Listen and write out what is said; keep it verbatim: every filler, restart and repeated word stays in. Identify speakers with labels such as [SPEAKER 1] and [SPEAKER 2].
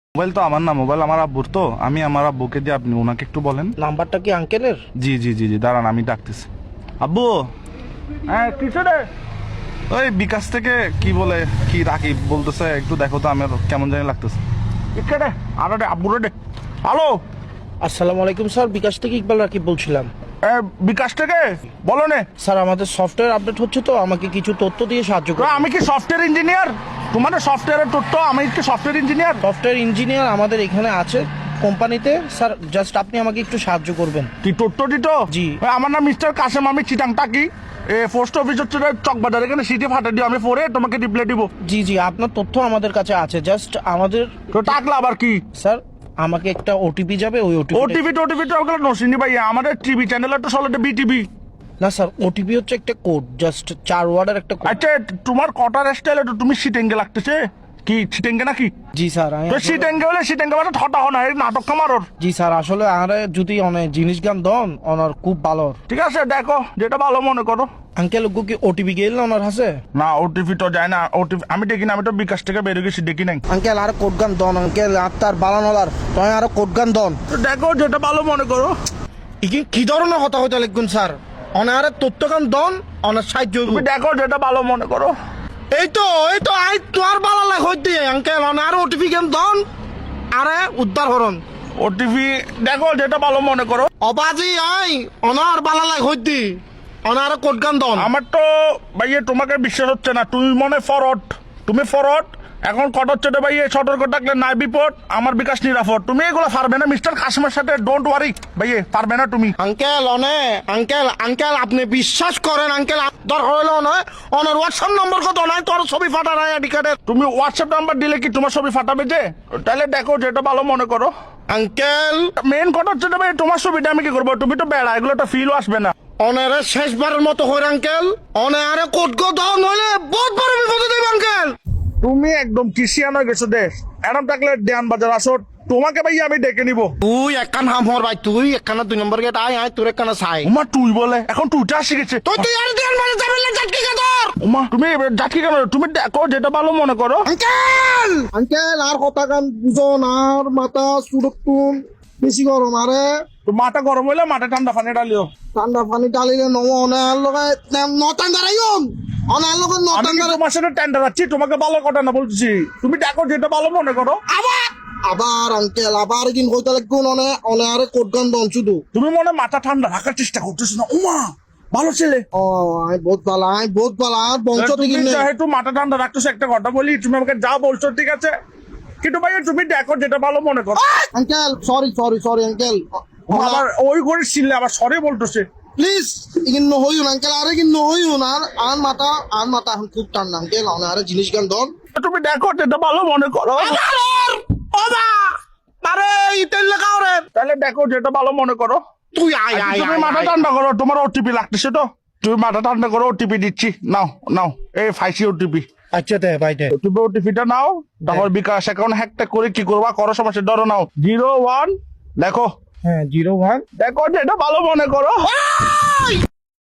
[SPEAKER 1] Mobile তো আমার না, মোবাইল আমার আব্বুর, তো আমি আমার আব্বুকে দিয়ে আপনি ওনাকে একটু বলেন।
[SPEAKER 2] নাম্বারটা কি আঙ্কেলের?
[SPEAKER 1] জি জি জি জি দাঁড়ান আমি ডাকতেছি। আব্বু, হ্যাঁ কিছু রে, ওই বিকাশ থেকে কি বলে কি রাকিব বলতেছে, একটু দেখো তো, আমার কেমন জানি লাগতেছে। ইকে রে আরো রে আব্বু রে। হ্যালো,
[SPEAKER 2] আসসালামু আলাইকুম স্যার, বিকাশ থেকে ইকবাল রাকিব বলছিলাম।
[SPEAKER 1] এ, বিকাশ থেকে বলো নে।
[SPEAKER 2] স্যার আমাদের সফটওয়্যার আপডেট হচ্ছে, তো আমাকে কিছু তথ্য দিয়ে সাহায্য
[SPEAKER 1] তো
[SPEAKER 2] করুন।
[SPEAKER 1] আমি কি সফটওয়্যার ইঞ্জিনিয়ার? তোমার সফটওয়্যারের তথ্য, আমি কি সফটওয়্যার ইঞ্জিনিয়ার?
[SPEAKER 2] সফটওয়্যার ইঞ্জিনিয়ার আমাদের এখানে আছে কোম্পানিতে। স্যার জাস্ট আপনি আমাকে একটু সাহায্য করবেন।
[SPEAKER 1] কি তথ্য দিত?
[SPEAKER 2] জি।
[SPEAKER 1] আমার নাম মিস্টার কাসেম, আমি চিটাং টাকি এ পোস্ট অফিস হচ্ছে চকবাজার, এখানে সিটি ফাটা দিও, আমি পরে তোমাকে রিপ্লাই দিব।
[SPEAKER 2] জি জি, আপনার তথ্য আমাদের কাছে আছে, জাস্ট আমাদের।
[SPEAKER 1] তো টাকলা আবার কি?
[SPEAKER 2] স্যার আমাকে একটা ওটিপি যাবে, ওই ওটিপি।
[SPEAKER 1] ওটিভি টোটিভি তো ওগুলো নসিনি ভাই, আমাদের টিভি চ্যানেল তো চলে বিটিভি।
[SPEAKER 2] না স্যার, ওটিপি হচ্ছে একটা কোড, জাস্ট চার ওয়ার্ডের একটা কোড।
[SPEAKER 1] আচ্ছা তোমার কটার স্টাইলে তো তুমি সিটেঙ্গে লাগতেছে, কি সিটেঙ্গে নাকি?
[SPEAKER 2] জি স্যার আমি
[SPEAKER 1] তো
[SPEAKER 2] আসলে-
[SPEAKER 1] সিটেঙ্গে হলে সিটেঙ্গে মানে ঠটা হনা এই নাটক কামারর।
[SPEAKER 2] জি স্যার, আসলে আরে যদি অনেক জিনিস গান দন ওনার খুব ভালো।
[SPEAKER 1] ঠিক আছে দেখো যেটা ভালো মনে করো।
[SPEAKER 2] আঙ্কেল ওগো কি ওটিপি গেল না ওনার হাসে?
[SPEAKER 1] না ওটিভি তো যায় না, ওটিভি আমি দেখি না, আমি তো বিকাশ থেকে বেরিয়ে গেছি, দেখি নাই।
[SPEAKER 2] আঙ্কেল আর কোড গান দন আঙ্কেল, আত্মার বালানলার তয় আর কোড গান দন।
[SPEAKER 1] তো দেখো যেটা ভালো মনে করো।
[SPEAKER 2] ইকি কি ধরনের হতা হইতে লিখুন স্যার, অনার তথ্য গান দন, অনার সাহায্য হইবো।
[SPEAKER 1] তুমি দেখো যেটা ভালো মনে করো।
[SPEAKER 2] এই তো এই তো আই তোর বালা লাগ হইতে আঙ্কেল, অনার ওটিপি গান দন আরে উদ্ধার হরন।
[SPEAKER 1] ওটিভি দেখো যেটা ভালো মনে করো।
[SPEAKER 2] অবাজি আই অনার বালা লাগ হইতে অনার কোড গান দন।
[SPEAKER 1] আমার তো ভাইয়ে তোমাকে বিশ্বাস হচ্ছে না, তুমি মনে ফরওয়ার্ড, তুমি ফরওয়ার্ড। এখন কট হচ্ছে তো ভাইয়ে, সতর্ক থাকলে নাই বিপদ, আমার বিকাশ নিরাপদ। তুমি এগুলো পারবে না মিস্টার কাসিমের সাথে, ডোন্ট ওয়ারি ভাইয়ে, পারবে না তুমি।
[SPEAKER 2] আঙ্কেল অনে আঙ্কেল আঙ্কেল আপনি বিশ্বাস করেন আঙ্কেল, দরকার হইলো নয় অনার হোয়াটসঅ্যাপ নম্বর কত নাই, তোর ছবি ফাটা নাই আইডি কার্ডের।
[SPEAKER 1] তুমি হোয়াটসঅ্যাপ নাম্বার দিলে কি তোমার ছবি ফাটাবে যে? তাহলে দেখো যেটা ভালো মনে করো।
[SPEAKER 2] আঙ্কেল
[SPEAKER 1] মেন কথা হচ্ছে তো ভাই, তোমার ছবিটা আমি কি করবো? তুমি তো বেড়া, এগুলো তো ফিলও আসবে না।
[SPEAKER 2] অনারে শেষবারের মতো হইর আঙ্কেল, অনারে কোট গো দাও নইলে বহুত বড় বিপদে দেব আঙ্কেল।
[SPEAKER 1] তুমি একদম কিসিয়ান হয়ে গেছো দেশ, এরম থাকলে দেয়ান বাজার আসো, তোমাকে ভাই আমি ডেকে নিবো।
[SPEAKER 2] তুই একখান হাম হর ভাই, তুই একখানা দুই নম্বর গেট আয় আয় তোর একখানা চাই।
[SPEAKER 1] উমা তুই বলে, এখন তুইটা শিখেছে।
[SPEAKER 2] তুই তুই আর দেন মানে যাবেন না জাটকি কে তোর।
[SPEAKER 1] উমা তুমি যাচ্ছি কেন? তুমি দেখো যেটা ভালো মনে করো।
[SPEAKER 2] আঙ্কেল আঙ্কেল আর কথা গান বুঝন, আর মাথা সুরক্ষণ বেশি গরম, আরে
[SPEAKER 1] তো মাথা গরম হইলে মাথা ঠান্ডা পানি ডালিও।
[SPEAKER 2] ঠান্ডা পানি ডালিলে নম অনার লগে নটান দাঁড়াইম, অনার লগে
[SPEAKER 1] আমি
[SPEAKER 2] নটান
[SPEAKER 1] কি
[SPEAKER 2] দাঁড়াই
[SPEAKER 1] তোমার সাথে টেন্ডার আছি? তোমাকে ভালো কথা না বলছি, তুমি দেখো যেটা ভালো মনে করো।
[SPEAKER 2] আবার আবার আঙ্কেল আবার কিন কইতে লাগুন অনে অনে আরে কোট গান দন শুধু।
[SPEAKER 1] তুমি মনে মাথা ঠান্ডা রাখার চেষ্টা করতেছো না? উমা ভালো ছেলে,
[SPEAKER 2] ও আই বহুত ভালো, আই বহুত ভালো, আর বংশ
[SPEAKER 1] তুমি
[SPEAKER 2] থেকে নেই।
[SPEAKER 1] যেহেতু মাথা ঠান্ডা রাখতেছো, একটা কথা বলি, তুমি আমাকে যা বলছো ঠিক আছে, কিন্তু ভাই তুমি দেখো যেটা ভালো মনে করো।
[SPEAKER 2] Uncle sorry sorry sorry uncle,
[SPEAKER 1] আবার ওই করে ছিললে আবার সরে বলতেছে।
[SPEAKER 2] প্লিজ ইগিন নহইউন আঙ্কেল, আরে কিন নহইউন, আর আর মাথা আর মাথা এখন খুব টান্না আঙ্কেল, অনে আরে জিনিস গান দন।
[SPEAKER 1] তুমি দেখো যেটা ভালো মনে করো।
[SPEAKER 2] ওবা আরে ইতেল লাগাও রে,
[SPEAKER 1] তাহলে দেখো যেটা ভালো মনে করো।
[SPEAKER 2] তুই আয়
[SPEAKER 1] আচ্ছা,
[SPEAKER 2] আয়
[SPEAKER 1] তুমি
[SPEAKER 2] আয়,
[SPEAKER 1] মাথা
[SPEAKER 2] আয়।
[SPEAKER 1] ঠান্ডা করো, তোমার ওটিপি লাগতেছে তো, তুমি মাথা ঠান্ডা করো, ওটিপি দিচ্ছি, নাও নাও এই ফাইসি ওটিপি।
[SPEAKER 2] আচ্ছা দে ভাই দে।
[SPEAKER 1] তুমি ওটিপিটা নাও, তারপর বিকাশ অ্যাকাউন্ট হ্যাকটা করে কি করবা করো, সমস্যা ধরো নাও জিরো ওয়ান, দেখো
[SPEAKER 2] হ্যাঁ জিরো ওয়ান।
[SPEAKER 1] দেখো যেটা ভালো মনে করো।